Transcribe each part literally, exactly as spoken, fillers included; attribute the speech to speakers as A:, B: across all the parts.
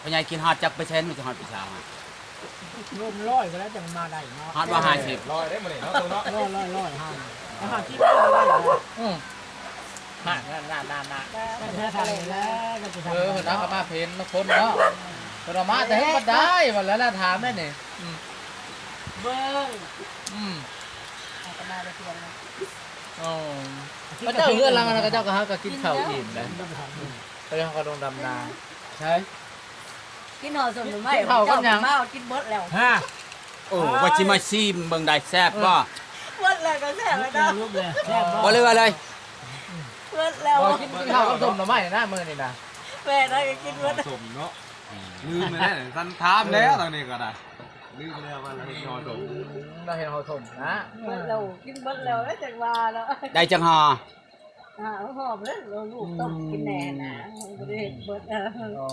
A: พ่อใหญ่กินฮอดจักเปอร์เซ็นต์มันจะฮอดปีชาฮะ
B: ร่มร้อยก็แล้วจังมาได้เนาะ
A: ฮอดว่าห้าสิบ
C: ลอยได้หมดเลยเนาะตัวเนาะ
B: ร้อยร้อยร้อยห้าอาหารที่ไม่ได้เลย
D: อืมมาน่าน่าน่าน่า
B: ก็จะทำแล้วก็จะทำ
D: เออเนาะเอามาเพนมาคนเนาะเรามาแต่ให้มันได้หมดแล้วล่ะถามได้นี่อืม
B: เบิ้ง
D: อืม
B: ก็มาได้เพียง
D: อ๋อก็เจ้าเพื่อนรังนะก็เจ้าก็หาก็กินข้าวอิ่มนะก็ยังกระดงดำนาใช่
E: กินหอสมหรือไม่มากินเบิดแล้ว
B: ฮะ
A: โอ้ว่าชิมาซีมเบิ่งได้แซ่บบ่
E: เบิดแล้วก็แซ่บแล้วเนาะ
B: ลูกเลยแซ่บ
A: บ่เลยว่าเลย
E: เบิดแล้ว
D: พอกินกินข้าวกับส้มหน่อไม้นะมื้อนี่นะ
E: แม่ได้ก็กินเบิด
C: สมเนาะลืมไปแล้วสันทามแล้วตอนนี้ก็ได้ลืมแล้วว่าเรานอนสม
D: เราเห็นเขาส้มนะ
E: เบิดแล้วกินเบิดแล้วได้จังว่าแล้ว
A: ได้จังฮอ
E: อ่าหอมเลยเราลูกต้มกินแน่นะบ่ได้เบิดอ่ะ
D: อ๋อ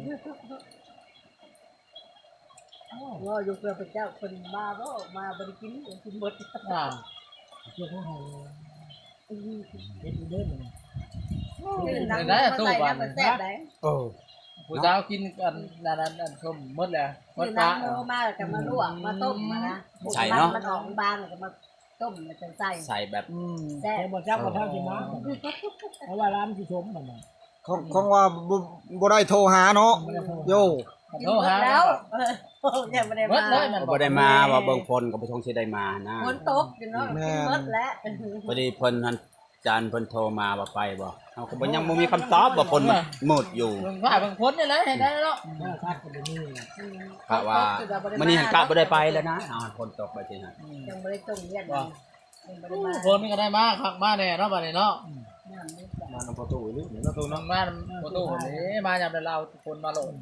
E: ว่าอยู่เพื่อพระเจ้าคนมาบ่มาบ่ได้กินกินเบิด
D: อ่า
B: เจ้าของเขาเฮ็ดเด้อมัน
E: ตื่นดังมาใส่น้ำมันแซ่บได้
A: โอ้
D: ผู้สาวกินกันนั่นนั่นส้มหมดแล้วหม
E: ตื่
D: ด
E: น
D: ปลา
E: น้ำโมมาแล้วก็มาลวกมาต้มมานะมันออกบางแล้วก็มาต้มแล้วจังใส่
A: ใส่แบบ
B: อืมแต่บ่จักบ่เท่าสิมาเพราะว่าร้านสิชมมันน่ะ
F: ของของว่าบ่บ่ได้โทรหาเนาะโย
E: กินเบิดแล้วยังไม่ได้
D: หมด
E: มา
D: เลยมัน
A: บ่ได้มาว่าเบิ่งฝนก็บ่ทงสิได้มานะ
E: ฝนตกอยู่เนาะกินเบิดแล้ว
A: พอดีเพิ่นหั่นจานเพิ่นโทรมาว่าไปบ่เฮาก็บ่ยังบ่มีคำตอบว่าฝนมันมืดอยู่
D: เบิ่งผ้าเบิ่งพ้นนี่แหละเห็นได้แล้ว
B: ถ้าคัดก็บ่มี
A: กะว่ามื้อนี้หันกะบ่ได้ไปแล้วนะอ้าวฝนตกไปสิฮะ
E: ยังไม่ได้ต้มเรียนยังไม่ได้มา
D: คนนี่ก็ได้มาคักมาแน่เนาะบัดนี้เนาะ
C: มาทำประตูอีกหนึ่งประตู
D: น้อ
C: เนาะ
D: งมาประตูคนนี้มายามเดี๋ยวเราคนมาโหลด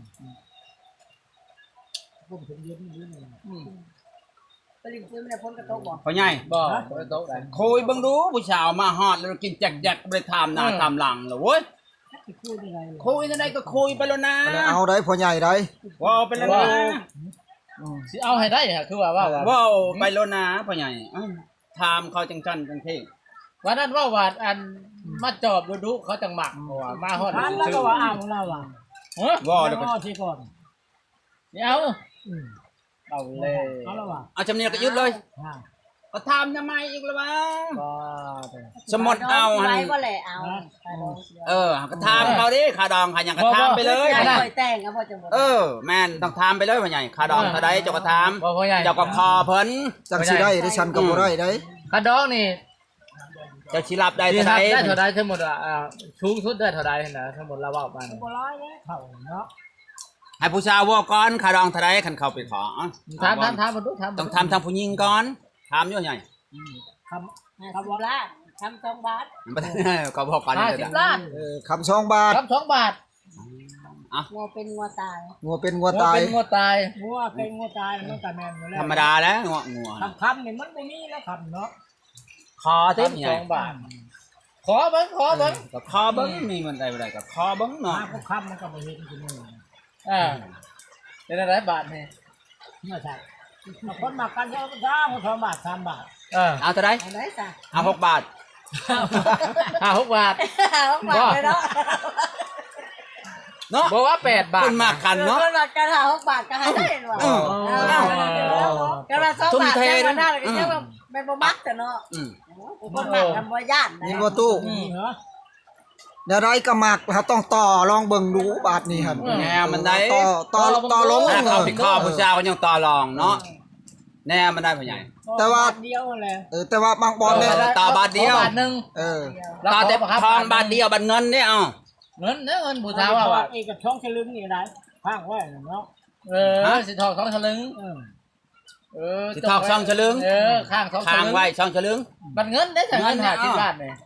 B: ผมถึงเย็นนี่นี่
D: อืม
E: ไปลิงซื้อไม่ได้พ้นกระโต๊ะบอก
A: พ่อใหญ่
D: บ่บ่ได้โต๊ะได้
A: คุยเบิ่งดูผู้สาวมาฮอดแล้วกินแจกๆบ่ได้ถามหน้าถามหลังแล้วเว้ย
B: สิพูดยังไง
A: คุยจังไดก็คุยไปแล้วนะ
F: เอาได้พ่อใหญ่ได้
A: ว้าวไปแล้วนะ
D: สิเอาให้ได้ฮะคือว่าว่า
A: ว้าวไปแล้วนะพ่อใหญ่อ้าวถามเขาจังจันจังเท่
D: วันนั้นว่าว่าอันมาจอบดูดุเขาจังหมักว่ามาฮอด
B: ร้านแล้วก็ว่าอ้าวของเราอ่ะ
D: เฮ้ย
A: ว้าวแล้วก็
B: ก็สิก่อน
D: เดี๋ยว
B: อืม
D: เอาเลย
B: เอาแล้วว่ะ
A: เอาจำเนียงก็ยึดเลย
B: ฮะ
A: ก็ถามทำไมอีกละวะ
D: ก็
A: สมมติเอา
E: ไว้
A: หั่น
E: ก็แหละเอา
A: เออก็ถามเขาดิขาดองขาหยังก็ถามไปเลย
E: ไม่ค่อยแต่งครับพ่อจังหวัด
A: เออแม่นต้องถามไปเลยพ่อใหญ่ขาดองเท่าใดเจ้าก็ถาม
D: บ่พ่อใหญ่
A: เจ้าก็คอเพิ่น
F: จังสิได้ได้ฉันก็บ่ได้ได้
D: กระดองนี่
A: เจ้าสิรับได้
D: ได้
A: เท่าใด
D: ได้เท่าใดทั้งหมดอ่ะอ่าสูงสุดได้เท่าใดนะทั้งหมดเราว่ามา
B: บ่ร้อยเลยเข้าเนาะ
A: ให้ผู้ชายว่าก่อนขาดองเท่าใดคันเข้าไปขอ
D: ถามถามถามมาดูถาม
A: ต้องทำทางผู้หญิงก่อนถามอยู่ใหญ่
B: คำ
E: ทำล้านทำสองบาท
A: ก็บอกกัน
D: ห้า
A: นี่
D: สิ
A: ก็
D: บ
A: ได้
D: ล้าน
F: เออคำสองบาท
D: ครับสองบาท
E: งัวเป็นงัวตาย
F: งัวเป็นงัวตาย
D: เป็นงัวตาย
B: งัวเป็นงัวตายมันก็แม่นอยู่แล้ว
A: ธรรมดาแล้วงัวงัว
B: คำคำนี่มันบ่มีแล้วคำเนาะ
A: คอ
D: เต็
A: เต็
D: ม
A: ม
D: ส
A: ใหญ่
D: องบาท ขอเบิ้งขอเบิ้ง
A: ก็คอเบิ้งมีมันได้บ่ได้ก็คอเบิ้งเนาะ
B: มาพวกคำมันก็บ่เห็นจริงๆ
D: อ่าเป็นอะไรบาทนี่
B: เมื่อใช่มาคนมากันเยอะจ้าคนสองบาทสามบาท
D: เออ
A: เอาเท่าใด
E: เอาได้จ้ะ
A: เอาหกบาท
D: ห้าหกบาท
E: เอาบาทเลยเนาะ
A: เนาะ
D: บอกว่าแปดบาท
A: คุณมากกันเนาะ
E: คนละกันหาหกบาทก็หาได้หรอ
A: เออ
E: ก็ละสองบาทแค่วันหน้าก็จะว่าไม่บ่มักแต่เนาะ
A: อืม
E: คนมักทำบ่ย่านนะ
F: นี่บ่ตู้
B: นี่เหรอ
F: เดี๋ยวได้ก็มักเฮาต้องต่อลองเบิ่งดูบาทนี้หั่น
A: แนวมันได้
F: ต่อต่อต่อลง
A: ถ้า
F: เอ
A: เขา
F: อ
A: เป็นข้อผู้ชายก็ยังต่อรองเนาะแน่มันได้พ่อใหญ่
F: แต่ว่า
B: เดียวแหละ
F: เออแต่ว่าบางบอลเนี่ย
A: ต่อบาทเดียว
D: บาทหนึ่ง
F: เออ
A: ต่อแต่ทองบาทเดียวบาทเงินเนี่ยเอา
D: เงินเนี่ยเงินผู้สาวว่าว่า
B: เอกกับช่องฉลึงนี่ได้ข้างไว้เนาะ
D: เออสิทองสองสลึง
B: เออ
D: เออ
A: สิทองช่องฉลึง
D: เออข้างสองส
A: ค้าง
D: ลึง
A: ไว้ช่องฉลึง
D: บัตรเงินได้แต่เงิน
A: เงิน
D: หา
A: เนี่ย
D: สิบ
A: เอา
D: บาทเนี่ย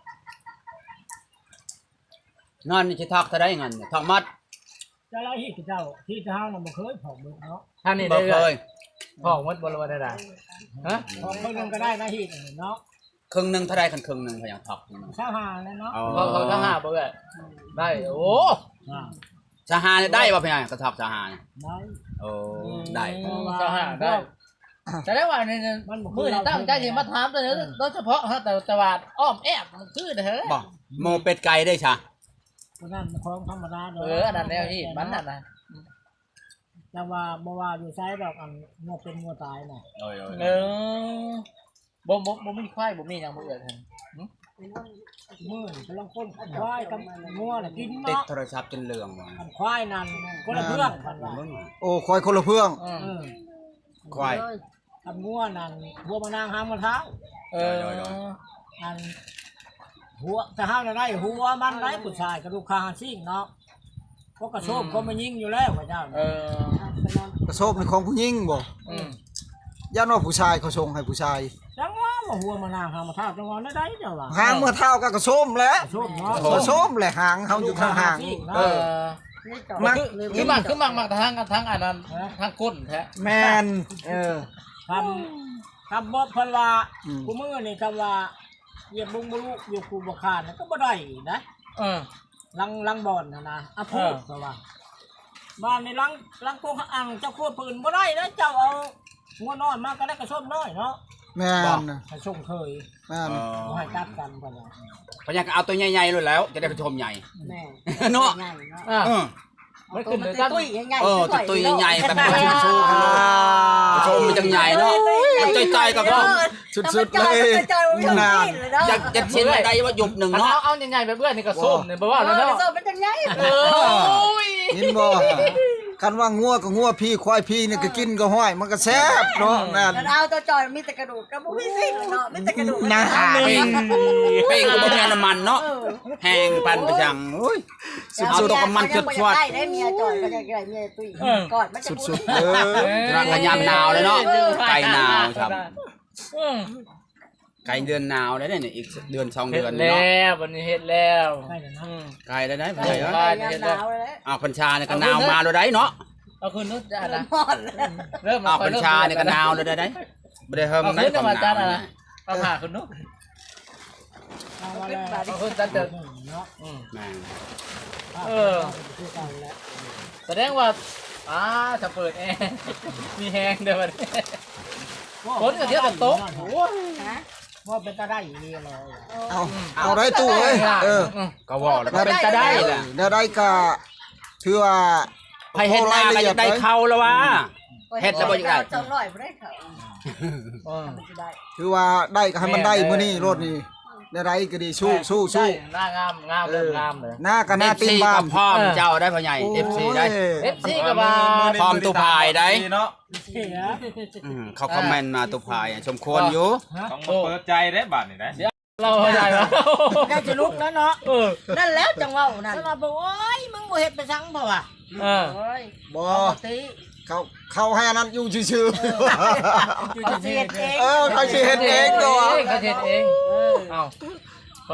A: เงินนี่สิทอกเท่าใดเงินทอกมัด
B: เจ้าละที่เจ้าที่เจ้าน่ะบ่เคยผอมเนาะ
D: ท่านนี่
A: บ่
D: ได้
A: เค
D: เลย ยพ่อวัดบริวารได้ฮะ
B: ผอมคนนึงก็ได้นะที่เนาะ
A: ครึ่งหนึงเท่าใดคันครึ่งหนึงพ่อใหญ่ทอก
B: ชาวหาเลยเนาะ
A: อ๋อ
D: เขาเขาทั้งห้าบ่เลยได้โอ้
B: อ่า
A: สหาเนี่ยได้บ่พ่อใหญ่กระทอกสหาเนี่ย
B: ได้
A: โอ้ได้
D: สหาได้แต่ได้ว่านี่มือตั้งใจที่มาถามตัวนี้โดยเฉพาะฮะแต่แต่ว่าอ้อมแอบมันคือเด้อ
A: บ่โมเป็ดไก่ได้ชะ
B: คนนั้นมันของธรรมดา
D: เอออันนั้นแนวที่มันนั่นนะ
B: แต่ว่าบ่ว่าอยู่ไสดอกอันงัวเป็นงัวตายน่ะ
A: โอ้ย
D: เออบ่บ่บ่มีควายบ่มีหยังบ่เอื้อท่าน
B: มื้อนี่กำลังคนควายกับงัวน่ะกิน
A: ติด
B: เนาะ
A: โทรศัพท์จนเหลืองว่ะ
B: อันควายนั่นคนละเรื่องกันว่า
F: โอ้คอยคนละเพื่อง
D: อืม
B: เออ
A: ควาย
B: อันงัวนั่นหัวมานางหางมะเท้า
D: เออ
B: อันหัวจะห้าวได้หัวมันได้ผู้ชายกระดูกคางซิ่งเนาะเพราะกระโชบก็มายิงอยู่แล้วพระเจ้า
D: เออ
F: กระโซบในของผู้หญิงบ่
D: อืม
F: ย่านว่าผู้ชายเขาชงให้ผู้ชาย
B: จังว่าว่าหัวมานางหางมะเท้าจังว่าได้เจ้าว่า
F: หางเมื่อเท่ากับกระโซมแหล้ว
B: กระโชบเนาะ
F: กระโซมแหละหางเฮาอยู่ทางหาง
D: เออ
F: มัก
D: คือมักคือมักมักทางทางอันนั้นทางก้นแท้
F: แมนเออ
B: ทำทำบ่เพิ่นว่า
F: อืม
B: กูมือนี่คำว่าเหยียบบุงบุรุอยู่กูบ่คานก็บ่ได้นะ
D: เออ
B: ลังลังบอนนะนะอ่ะพูดเพราะว่าบ้านในลังลังโกงอังเจ้าโคตรปืนบ่ได้นะเจ้าเอางัวน้อยมาก็ได้กระส้มน้อยเนาะ
F: แมนน่ะ
B: ให้ส่งเคย
F: แมน
B: บ่ให้จับกันเพิ่นว่า
A: พญาก็เอาตัวใหญ่ๆเลยแล้ว จะได้ไปชมใหญ่
E: แม่
A: เนาะ
E: ใหญ่เนาะ
D: อ่ะ
A: เออ
D: มันขึ้นเลย
E: ตั
D: จ้ะ
E: ตุ้ยใหญ่ๆ
A: เออตัวตัวใหญ่ๆแบบว่าชูๆกันเนาะชมมันจังใหญ่เนาะมันใจๆกับเนาะ
F: สุดๆเลย
E: จอยๆมัน
F: นาน
E: เลยเนาะ
A: อยากจะชิ้นอะไรว่าหยุบหนึ่ง
D: เอา
A: เนาะ
D: เอาใหญ่ๆไปเบื่อนี่ก็ส้มนี่บ่ว่า
E: เอ
D: แล้ว
E: อ
D: เนาะ
E: โซ่มันจังใหญ่
D: เออโอ้ย
F: ยินบ่คันว่างัวก็งัวพี่ควายพี่นี่ก็กินก็ห้อยมันก็แซ่บเนาะนั่น
E: แล้วเอาตัวจอยมีแต่กระดูกก็บ่มีสิ่งเลยเนาะมีแต่กระดูก
F: นะ
A: เป้งเป้งก็บ่แม่นน้ำมันเนาะแห้งปันไปจังโอ้ยเอาตัวกับมันจดชวด
E: ได้ได้เมียจอยก็จะได้เมียตุ้ยกอดมันจะ
F: สุดๆเออ
A: รักกันยามหนาวเลยเนาะไก่หนาวครับ
D: อืม
A: ไก่เดือนหนาวได้เนี่ยอีกเดือนสอง
D: เฮ็ด
A: เดือน
D: แล้
A: เนาะ
D: ววันนี้เฮ็ดแล้ว
B: ใช่แล้วนะ
D: อืม
A: ไก่ได้ได้
E: ได้
A: ไก่เนาะ
E: ได้หนาวแล้ว
A: อ้าวพันชาเนี่ยก็หนาวมาเลยได้เนาะ
D: เอาคืนนู้นจ้ะนะ
E: หมดแล้ว
D: เริ่ม
A: อ้าวพันชาเนี่ยก็หนาวเลยได้ได้บ่ได้เฮิม
D: เอา
A: ได้
D: คืน
A: ความ
D: มา
A: ห
D: จ้ะ
A: นาว
D: นะเอาหาคืนนู้น
B: เอาว่าแล้ว
D: เอาคืนจ้ะเด้อ
B: เนาะ
D: อืม
A: แม่ง
D: เออ
B: คือกันแล้ว
D: แสดงว่าอ่าจะเปิดแอร์มีแฮงเด้อบัดนี้คนก็เที่ยวกับโต๊ะโอ้ย
E: ฮะ
B: ว่าเป็นตาได้อีนี่เลย
F: เอาเอาได้ตู้เอ้ยเออ
A: ก็ว่าแล้วก็เป็นจะได้แหละ
F: ได้ได้ก็ถือว่า
A: ไผเฮ็ดนาก็จะได้เข้าแล้ววะ เฮ็ดแล้วบ่อยากได้
E: จองร้อยบ่ได้เขา
D: เออ
E: มันสิได้
F: ถือว่าได้ก็ให้มันได้มื้อนี้รถนี่ได้ได้ก็ดีสู้สู้สู้
D: หน้างามงามเริ่มงามเลย
F: หน้าก็หน้าตีนบ้า
A: ก็
F: น
A: พร้อมเจ้าได้พ่อใหญ่ เอฟ ซี ได้
D: เอฟซีก็มา
A: พร้อมตุภายได้
C: เนาะ
B: เสีย
A: อืมเขาคอมเมนต์มาตุภายอะสมควรอยู่
C: ต้องมาเปิดใจได้บัดนี่ได้
D: เราเข้าใจแล้ว
B: ได้จะลุกแล้วเนาะ
D: เออ
E: นั่นแล้วจังเว้านั่น
B: แล้วเราบอกโอ้ยมึงบ่เฮ็ดไปซังเปล่าวะ
D: เออ
E: โอ้ย
F: บ่
E: ปกติ
F: เขาเขาให้อันนั้นอยู่ชื่อ
E: เขาสิเฮ็ดเอง
F: ๆเออเขาสิเฮ็ดเองตัว
D: เขาเฮ็ดเอง
E: เออ
D: เอ้าก็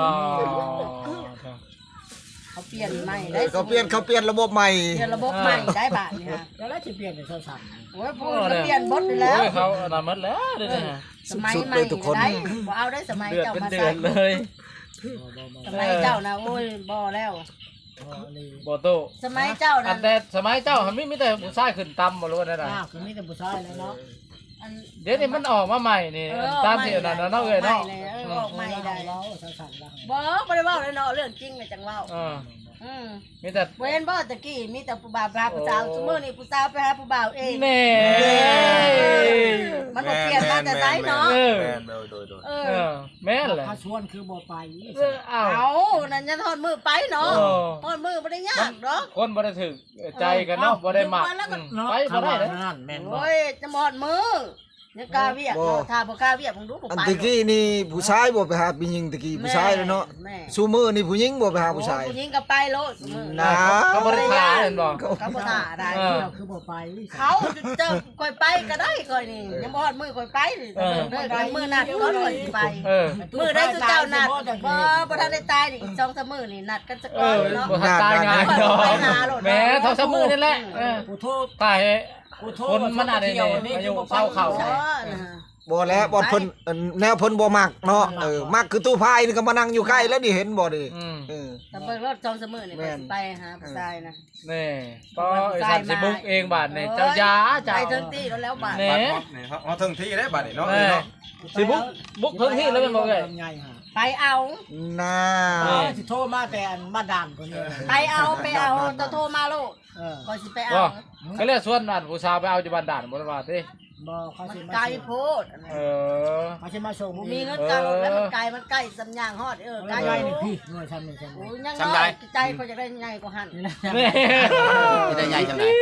E: เขาเปลี่ยนใหม่ได้
F: เขาเปลี่ยนเขาเปลี่ยนระบบใหม่
E: เปลี่ยนระบบใหม่ได้บาทนี่ฮะ
B: แล้วแล้วสิเปลี่ยนเป็นโทรศัพท์
E: โอ้ยพูดเขาเปลี่ยนบทไปแล้ว
D: โอ้ยเขาอนามหมดแล้วเดี๋ยวนี้
E: สมัย
F: สุดๆ
E: ใหม่
F: เลยทุกคน
E: ได้บ่เอาได้สมัย
D: เดือด
E: เจ้า
D: เป็น
E: มา
D: เดื
E: ใส่
D: อดเลย
E: สมัยเจ้านะโอ้ยบ่แล้ว
D: บ่โต
E: สมัยเจ้า
D: อั
E: นะ
D: นแต่สมัยเจ้ามันมีแต่ผู้ชายขึ้นตำบ่รู้ว่าได้น่ะ
B: อ้าวคือมีแต่ผู้ชายแล้วเนาะ
E: อัน
D: เดี๋ยวนี้มันออกมาใหม่นี่ตามที่อันนั้นเนาะเอ้ยเนาะ
E: ออกใหม่ได้
B: เราโทรศัพท์เรา
E: บ่บ่ได้เว้าเลยเนาะเรื่องจริงเลยจังเว้า
D: เออ
E: อืม
D: มีแต่
E: เว้นบ่ตะกี้มีแต่ผู้บ่าวพาผู้สาวซุมื้อนี้ผู้สาวไปหาผู้บ่าวเอง
D: แน่
E: มันบ่เปลี่ยนมาแต่ไสเนาะ
D: เออ
C: แม่นโดยโดยโดย
E: เอ
D: เอ
E: อ
D: อแม่นแหละ
B: ถ้าชวนคือบ่ไป
D: เออเอ้า
E: เอานั่นจะทอดมือไปเนาะ
D: เออ
E: ทอดมือบ่ได้ยากเนาะ
D: คนบ่ได้ถึกใจกันเนาะบ่ได้มักอืม
B: เนาะ
D: ไปบ่ได้เลย
B: นั่นแม่นบ่
E: โอ้ยจะหมดมือยังกล้าเวียกเนาะถ้าบ่กล้าเวียกมึงดูบ่
F: อัน
E: ไป
F: ตะกี้นี่ผู้ชายบ่ไปหาผู้หญิงตะกี้ผู้ชายเลยเนาะ
E: แม่
F: ซูมือนี่ผู้หญิงบ่ไปหาผู้ชาย
E: ผู้หญิงก็ไปโลดซุมื้อ
F: นะ
D: เขาบ่ได้ขาเห็นบ่
E: เขาบ่ท่าได้
D: เออ
B: เราคือบ่ไป
E: เขาจะค่อยไปก็ได้ค่อยนี่ยังบ่ฮอดมือค่อยไปนี่เด้อกันมือนัดก่อนค่อยสิไป
D: เออ
E: มือได้สุเจ้านัดบ่บ่ทันได้ตายนี่อีกสองสามมื้อนี่นัดกันสัก
D: เอ
E: ก่อน
D: อ
E: เนาะ
D: บ่ทันตายง่ายดอก
E: ไปหาโลด
D: แหม้เท่าซะมือนี่แหละเออ
B: กูโทษ
D: ตาย
B: กูโท
D: ค
B: ษ
D: นมันอะไรเนี่ยอายุเศร้าเข่า
E: เออนะ
F: บ่แล้วบ่เพิ่นเอิ่นแนวเพิ่นบ่มักเนาะเออมักคือตู้พายนี่ก็มานั่งอยู่ใกล้แล้วนี่เห็นบ่ดิ
D: อืม
F: เออ
E: แต่เบิ่งรถสองสามมื้อนี่ไปสิไปหาผู้ชายนะ
D: นี่ก็ไอ้สัตว์สิบุกเองบาดนี่เจ้ายาเจ้า
E: ไปถึงที่แล้วแล้วบาด
D: แหน่
C: บัดฮอดนี่เขาเอาถึงที่ได้บัดนี่เนาะ
D: แหน่
C: เนาะ
D: สิบุกบุกพื้นที่แล้วเป็นบ่เอ้ย
B: ไงฮะ
E: ไปเอา
F: น่า
D: เออ
B: สิโทรมาแต่อันมาดามคนนี้
E: ไปเอาไปเอาตัวโทรมาโลด
B: เออ
E: คอยสิไปเอา
D: บ่เขาเรียกส่วนนั่นผู้สาวไปเอาอยู่บ้านด่านบ่ได้ว่าติ
B: บ่เขา
E: มัน
B: สิมา
E: ไกล
B: ส่ง
E: โพดอันนั้น
D: เออ
B: เขาสิมาส่ง
E: บ่มีเงินกลางแล้วมันไกลมันใกล้สัญญาณฮอดเออ
B: ไก
E: ไก
B: ล
E: ล
B: นี่พี่หน่วยชั้นนี่ชั้น
E: โอ้
B: นี่
E: ยยังน้อยใจเขาจะได้ใหญ่กว่าหัน
B: นี่นะ
D: นี่
A: จะได้ใหญ่จังได๋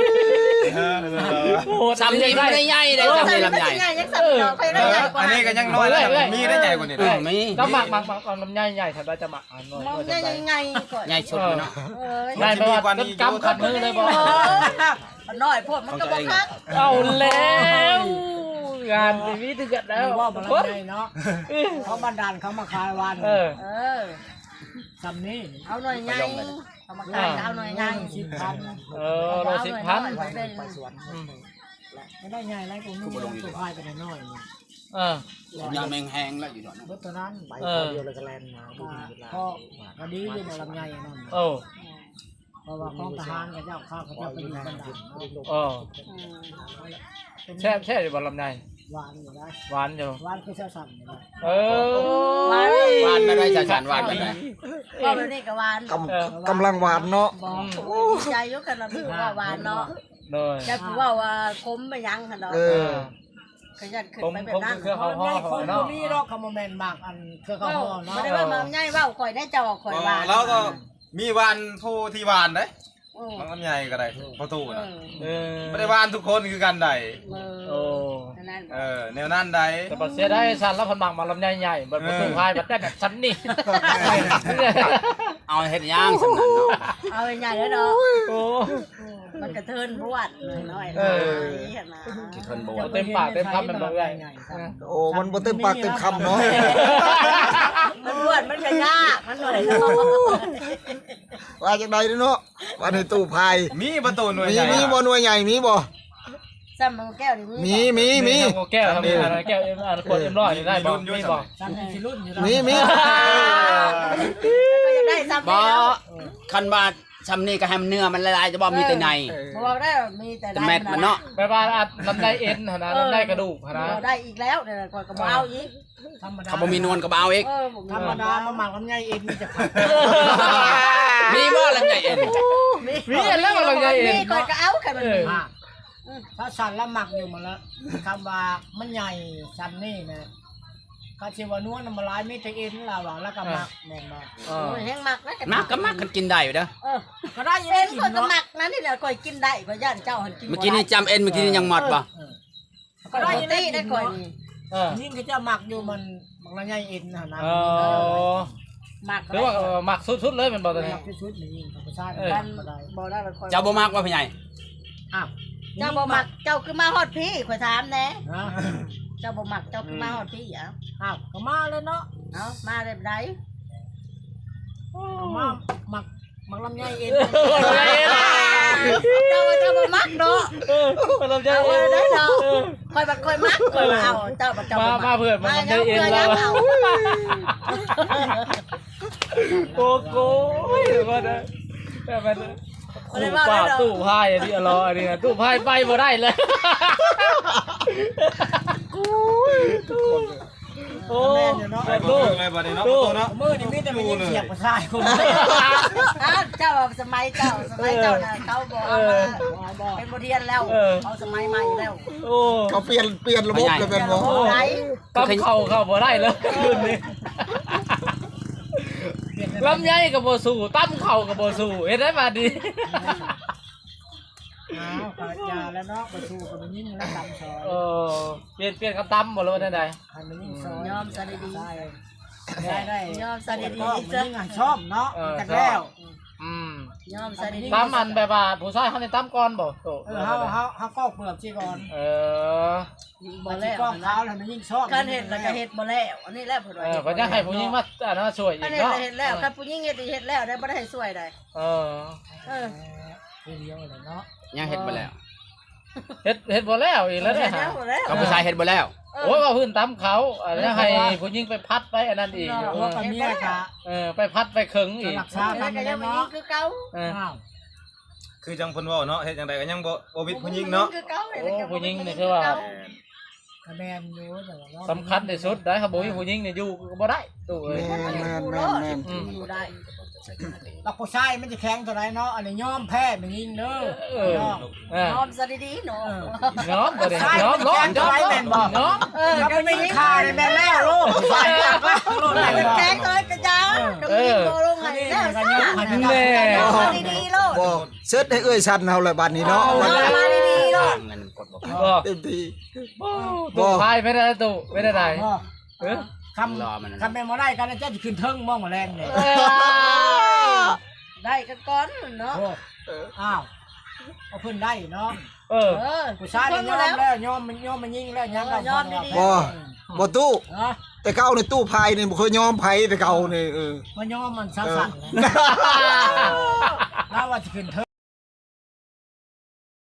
D: โอ้โห
A: ซ้ำนี่ไม่ได้ใหญ่เลยซ้ำนี่ลำใหญ่
E: ใหญ่ยังสั่นดอกไปได้ใหญ่กว่า
C: อันนี้ก็ยังน้อยแล้วมีได้ใหญ่กว่านี้
A: เออมี
D: ก็หมักหมักหมักเอาลำไยใหญ่ถ้าได้จะหมักอันน้อย
E: มองใหญ่ใหญ่ก่อน
A: ใหญ่สุดเลยเนาะ
E: เออ
D: ใหญ่ไปว่าจนกำขัดมือเลยบ่
E: น้อยโพดมันก็บ่คัก
D: เอาแล้วงานทีวีถึงกันแล้ว
B: ว่าบ่รับได้เนาะเขาบันดาลเขามาขายวัน
D: เออ
E: เออ
B: ซ้ำนี้
E: เอาหน่อยใหญ่เอามาขายเอาหน่อยใหญ่
B: สิบพัน
D: เออเราสิบพัน
B: ไปสวนไม่ได้ใหญ่ไรผมมีตัวพายไปน้อย
D: เออ
A: ยาแมงแห้งแล้วอยู่ดอก
B: รถตัวนั้นใบ
D: เออ
B: เดียวเลยก็แลนมาพอพอดีอยู่ในลำไยนั่น
D: โอ้
B: เพราะว่าของทหารกับเจ้าข้าวเขาเจ้าไปอยู่บันดาล
D: โอ้แช่แช่อยู่บนลำไย
B: หวานอยู่ได้
D: หวานอยู่
B: หวานคือเจ้าสั่งอยู่ได้
D: เออ
A: หวานไม่ได้ชาชานหวานไม่ได้
E: ก็แบบนี้ก็หวาน
F: กำกำลังหวานเนาะ
E: บอกใจยกกันเราพี่ว่าหวานเนาะ
D: เลย
E: จะพูดว่าว่าคมไปยังค่ะเนาะ
F: เอ
D: เอ
F: อ
D: อ
E: ขยันขึ้น
D: ผม
E: ไปแบ
D: ผ
E: บ
D: ม
E: นั้น
D: เครื่องเขาห่อ
B: ไม่
D: ห่
B: ค
D: อน เนาะ
B: มีรอกคาร์โมแมนมากอันเครื่องเขาห่อเนาะ
E: ไม่ได้ว่ามันง่ายว่าข่อยได้เจ้าข่อยหวาน
C: แล้วก็มีวานผู้ที่วานเด้
E: โอ้
C: มันใหญ่ก็ได้ประตูน่ะ
D: เออ
C: ไม่ได้วานทุกคนคือกันใด
D: โอ้
E: นั่น
C: เออแนวนั้นใด
D: แต่ปัจเสียได้สันแล้วคนหมักมาลำไยใหญ่บนประตูพายบัดได้แบบชั้นนี่
A: เอาเฮ็ดย่างสำนันเนาะ
E: เอาใหญ่แล้วเนาะ
D: โอ้
E: มันกระเทินบวชน้อย
D: เออ
E: เห็นไหม
A: กี่คนโบ
D: เต็มปากเต็มคำมันบอกได้
F: โอ้มันบ่เต็มปากเต็มคำเนาะ
E: มันบวชมันจะยากมันหน่อยเนาะ
F: ว่าจังไดเนาะว่าในตู้พาย
C: มีประตูหน่วย
F: มี
C: ใหญ่
F: มีบ่หน่วยใหญ่มีบ่
E: ซ้ำมันแก้วนี่
F: มีมีมี
D: แก้วทำอะไรแก้วเอ็มอันขวดเอ็มร้อยนี่ได้บอกไม่บอก
B: ซ้ำที่รุ่นอยู่
F: มีมี
E: ก็จะได้ซ้ำ
A: บ่
E: แล้ว
A: คันว่าซ้ำนี่ก็ให้มันเนื้อมันละลายจะบ่มีแต่ใน
E: บอกได้มีแต่
A: แต่แมทมันเนาะ
D: แปลว่าลำไยเอ็นนะลำไยกระดูกนะ
E: ได้อีกแล้วเดี๋ยวก่อนก็เอาอีก
B: ธรรมดา
A: เขาบ่มีนวลก็บ่เอาอีก
E: เออผม
B: ธรรมดามาหมักลำไยเองมันจะผัด
A: มีบ่ลำไยเอ็น
D: มีเอ็นแล้วลำไยเอ็น
E: ก่อนก็เอาแค่มันมี
B: ถ้าสั่นแล้วหมักอยู่มาแล้วคำว่ามันใหญ่สั่นนี่นะกาชิวานัวน้ำมันลายไม่แต่เอ็นเราอ่ะแล้วก็หมักแม่นบ่
D: เออ
E: แห้งมักนะ
A: มักก็มักกันกินได้อยู่เด้อ
E: เออ
B: ก็ได้ยัง
E: เอ็
B: ได้
E: น
B: กิน
E: ก่อนก็
B: เนาะ
E: มักนะนี่แหละก่อยกินได้ก่อยย่านเจ้าหันกิน
A: เมื่อกี้นี่จำเอ็นเมื่อกี้นี่ยังหมดบ่
E: ก็ได้ยังได้ได้ก่อยนี่
D: เออ
B: ยิ่งเขาจะหมักอยู่มันหมักลำไยเอ็นนะนะ
D: เออ
E: มัก
D: หรือว่าหมักสุดๆเลยเป็นบอลตัวนี้
B: หมักที่สุดนี่ธรรมชาติ
E: มัน
B: ก็ได้
E: บ่ได้มันก่อย
A: เจ้าบ่มักว่าพี่ใหญ่
B: อ้าว
E: เจ้าบ่มักเจ้าคือมาฮอดพี่ข่อยถามแน่
B: นะ
E: เจ้าบ่มักเจ้าคือมาฮอดพี่อ่ะ
B: อ้าวก็มาเลยเนาะ
E: เอามาได้ได
B: ก็มาหมักหมักลำไยเอ็น
E: เจ้าเจ้าบ่มักเนาะ
D: ลำไย
E: เอา
D: เอ็น
E: ได้เนาะข่อยบัดข่อยมักข่อยเอาเจ้าบัดเจ้าบ่
D: มา
E: มัก
D: มาเพื่อนมันลำไยเอ็น
E: แล้
D: แล้ว
E: เอา
D: โกโก้ก็ได้แต่มันคู่ป่าตู้พายอันนี้อร่อยอันนี้ตู้พายไปบ่ได้เลยโอ้
B: แม่นอยู่เนาะ
C: ไปประตู
D: ตู้
C: เลยบัดนี้เนาะประตูเนาะ
B: มือนี่มีแต่มันยิงเสียบกระชายคน
E: อ้าวเจ้าสมัยเจ้าสมัยเจ้าน่ะเขาบอกเอามาเป็นบทเรียนแล้วเอาสมัยใหม่แล้ว
D: โอ้
F: เขาเปลี่ยนเปลี่ยนระบบเลยเป็นบ่
E: โอ้ไหน
D: ตั้มเข่าเข้าบ่ได้เลยรุ่นนี้ลำไยกับโบสูตั้มเข่ากับโบสูเห็นได้มาดี
B: อ้าวปากยาแล้วเนาะไปสู่กับมันยิงแล้วดำซอย
D: เออเปลี่ยนเปลี่ยนคำตั้มหมดเลยว่าได้ไง
B: ให้มันยิงซอย
E: ยอมซะดี
B: ได้ได้
E: ๆยอมซะ
B: ดี
E: ดี
B: ก็มัน
E: ๆซะ
B: ยิงอ่ะชอบเนาะจากแล้ว
D: อืม
E: ยอมซะดี
D: ตั้มอันแบบว่าผู้ชายเขาในตั้มก่อนบ่โต
B: เออเฮาเฮาเฮาฟอกเปลือกสิก่อน
D: เออ
E: ๆ
B: บ่
E: บ่
B: แล้
E: แล้ว ว
B: ฟอกขาวแล้วมันยิงชอบ
E: การเฮ็ดแล้วก็เฮ็ดบ่แล้วอันนี้แหละเพิ่น
D: เอ
E: ว่า
D: อก็จะให้ผู้หญิงมาอันนั้นช่วยอี
E: อัน
D: ก
E: นี้
D: เนาะ
E: เฮ็ดแล้วคันผู้หญิงเฮ็ดเฮ็ดแล้วได้บ่ได้ให้ช่วยได้
D: เออ
E: เออ
B: ทีเดียวเลยเนาะ
A: ยังเฮ็ดบ่แล้ว
D: เฮ็ดเฮ็ดบ่แล้วอีกแล้วเนี่ย
E: เฮ็ดแล้วบ่แล้ว
A: เขาผู้ชายเฮ็ดบ่แล้ว
D: โอ้ยว่าพื้นตั้มเขาอันนี้ให้ผู้หญิงไปพัดไปอันนั้นอีก
B: เพราะว่ากับเมียกะ
D: เออไปพัดไปเคิงอีก
B: รักษา
E: แล้ว
B: กัน
E: ก็ยังบ่ยิ
B: เนาะ
E: งคือเก่า
D: เออ
B: อ้าว
C: คือจังเพิ่นเว้าเนาะเฮ็ดจังไดก็ยังบ่บ่วิดผู้หญิงเนาะ
E: คือเก่า
D: โอ้ผู้หญิงนี่คือว่า
B: คะแนนอยู่แต่ว่า
D: สำคัญที่สุดได้ครับบ่มีผู้หญิงนี่อยู่ก็บ่ได้ตู้เอ้ย
F: แม่นแม่น
E: ผู้
F: แม่
E: ร
F: น
E: อด
F: แม่น
E: อยู่ได้
A: ใส่กันนาที
B: แล้วผู้ชายมันจะแข็งเท่าไรเนาะอันนี้ยอมแพ้มันยิงเด้อเนาะ
D: เออย
E: อมซะดีๆเนาะ
D: น้อมบ่ได้น้อมน้อมน้อมน้อม
E: เออ
B: ถ้าไม่มีคาเนี่ยแม่แล้วลูกใส่ยากแล้วลูก
E: แ
B: ได้บ่
E: ข็งเลยกระจ้าดมยิงโตลง
B: อัน
E: ให้
B: นี้
E: แล้ว
B: ก็
E: ซะ
B: ยอมอันนี้
D: แน่
E: ยอมดีๆโลด
F: บ่เสิร์ชให้เอ้ยชันเฮาเลยบัดนี้เนาะ
E: ยอมมาดีๆโลด
A: เงินกดบอก
D: บ่
F: เต็มที่
D: ตู้พายไม่ได้ตู้ไม่ได้ได้เออ
B: คำคำแม่มาได้กันจะขึ้นเทิงมองมาแรงเลย
E: ได้กันก่อนเนาะ
B: อ้าวเอาเพิ่นได้เนาะ
D: เออ
E: เออ
B: ผู้ชายยอมแล้วยอมมันยอมมันยิงแล้วยัง
F: บ่บ่ตู้
B: เนาะ
F: แต่เก่าในตู้พายนี่บ่เคยยอมไผแต่เก่านี่เออ
B: มันยอมมันสั่นๆแล้วว่าจะขึ้นเทิง